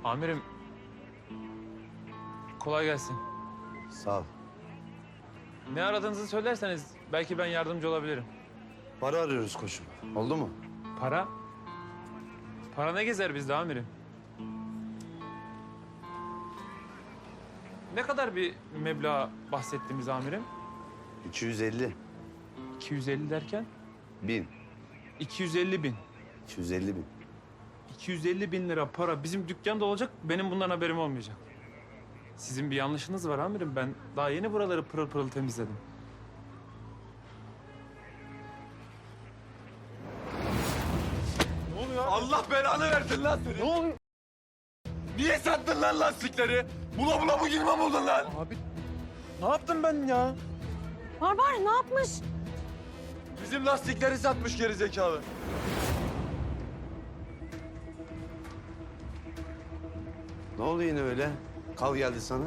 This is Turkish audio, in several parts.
Amirim, kolay gelsin. Sağ ol. Ne aradığınızı söylerseniz belki ben yardımcı olabilirim. Para arıyoruz koçum. Oldu mu? Para? Para ne gezer bizde amirim? Ne kadar bir meblağ bahsettiğimiz amirim? 250 250 derken? bin. 250 bin. 250 bin. 250 bin lira para bizim dükkanda olacak, benim bundan haberim olmayacak. Sizin bir yanlışınız var amirim. Ben daha yeni buraları pırıl pırıl temizledim. Ne oluyor abi? Allah belanı versin lan seni. Ne oluyor? Niye sattın lan lastikleri? Bula bula bu girme buldun lan. Abi ne yaptım ben ya? Barbar ne yapmış? Bizim lastikleri satmış gerizekalı. Ne oldu yine öyle? Kal geldi sana.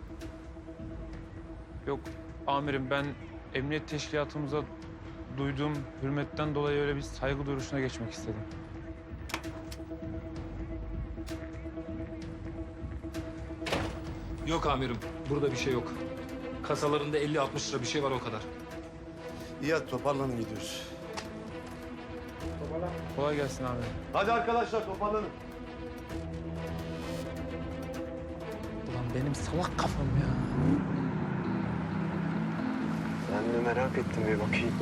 Yok amirim, ben emniyet teşkilatımıza duyduğum hürmetten dolayı öyle bir saygı duruşuna geçmek istedim. Yok amirim, burada bir şey yok. Kasalarında 50-60 lira bir şey var o kadar. İyi hadi toparlanın gidiyoruz. Kolay gelsin amirim. Hadi arkadaşlar toparlanın. Ulan benim salak kafam ya. Ben de merak ettim bir bakayım.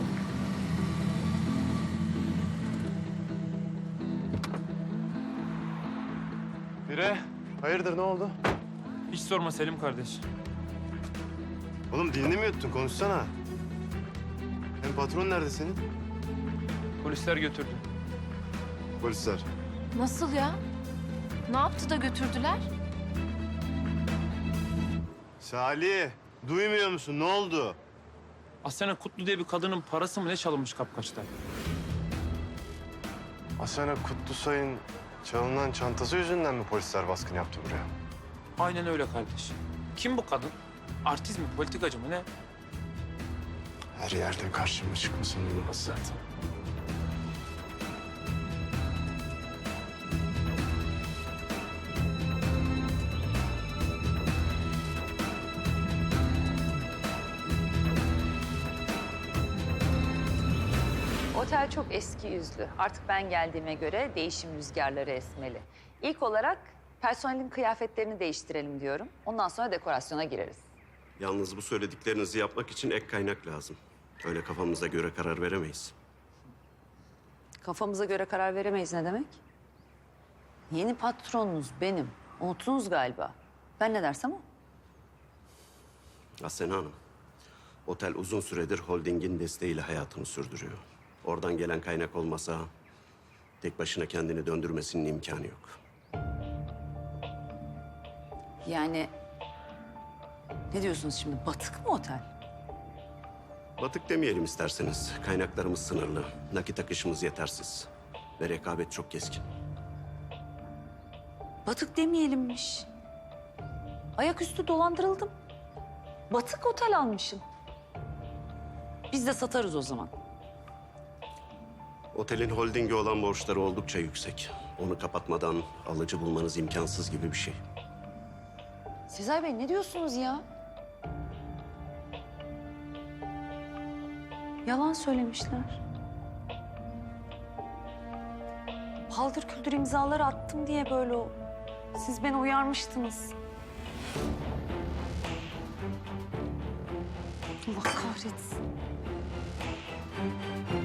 Bire, hayırdır ne oldu? Hiç sorma Selim kardeş. Oğlum dilini mi yuttun? Konuşsana. Hem patron nerede senin? Polisler götürdü. Polisler. Nasıl ya? Ne yaptı da götürdüler? Salih, duymuyor musun? Ne oldu? Asena Kutlu diye bir kadının parası mı ne çalınmış kapkaçta? Asena Kutlusay'ın çalınan çantası yüzünden mi polisler baskın yaptı buraya? Aynen öyle kardeş. Kim bu kadın? Artist mi, politikacı mı ne? Her yerden karşıma çıkmasın olmaz zaten. Otel çok eski yüzlü. Artık ben geldiğime göre değişim rüzgarları esmeli. İlk olarak personelin kıyafetlerini değiştirelim diyorum. Ondan sonra dekorasyona gireriz. Yalnız bu söylediklerinizi yapmak için ek kaynak lazım. Öyle kafamıza göre karar veremeyiz. Kafamıza göre karar veremeyiz ne demek? Yeni patronunuz benim. Unuttunuz galiba. Ben ne dersem o. Asena Hanım, otel uzun süredir holdingin desteğiyle hayatını sürdürüyor. Oradan gelen kaynak olmasa tek başına kendini döndürmesinin imkanı yok. Yani ne diyorsunuz şimdi? Batık mı otel? Batık demeyelim isterseniz. Kaynaklarımız sınırlı, nakit akışımız yetersiz ve rekabet çok keskin. Batık demeyelimmiş. Ayaküstü dolandırıldım. Batık otel almışım. Biz de satarız o zaman. Otelin holdinge olan borçları oldukça yüksek. Onu kapatmadan alıcı bulmanız imkansız gibi bir şey. Sezai Bey ne diyorsunuz ya? Yalan söylemişler. Paldır küldür imzaları attım diye böyle o. Siz beni uyarmıştınız. Allah kahretsin.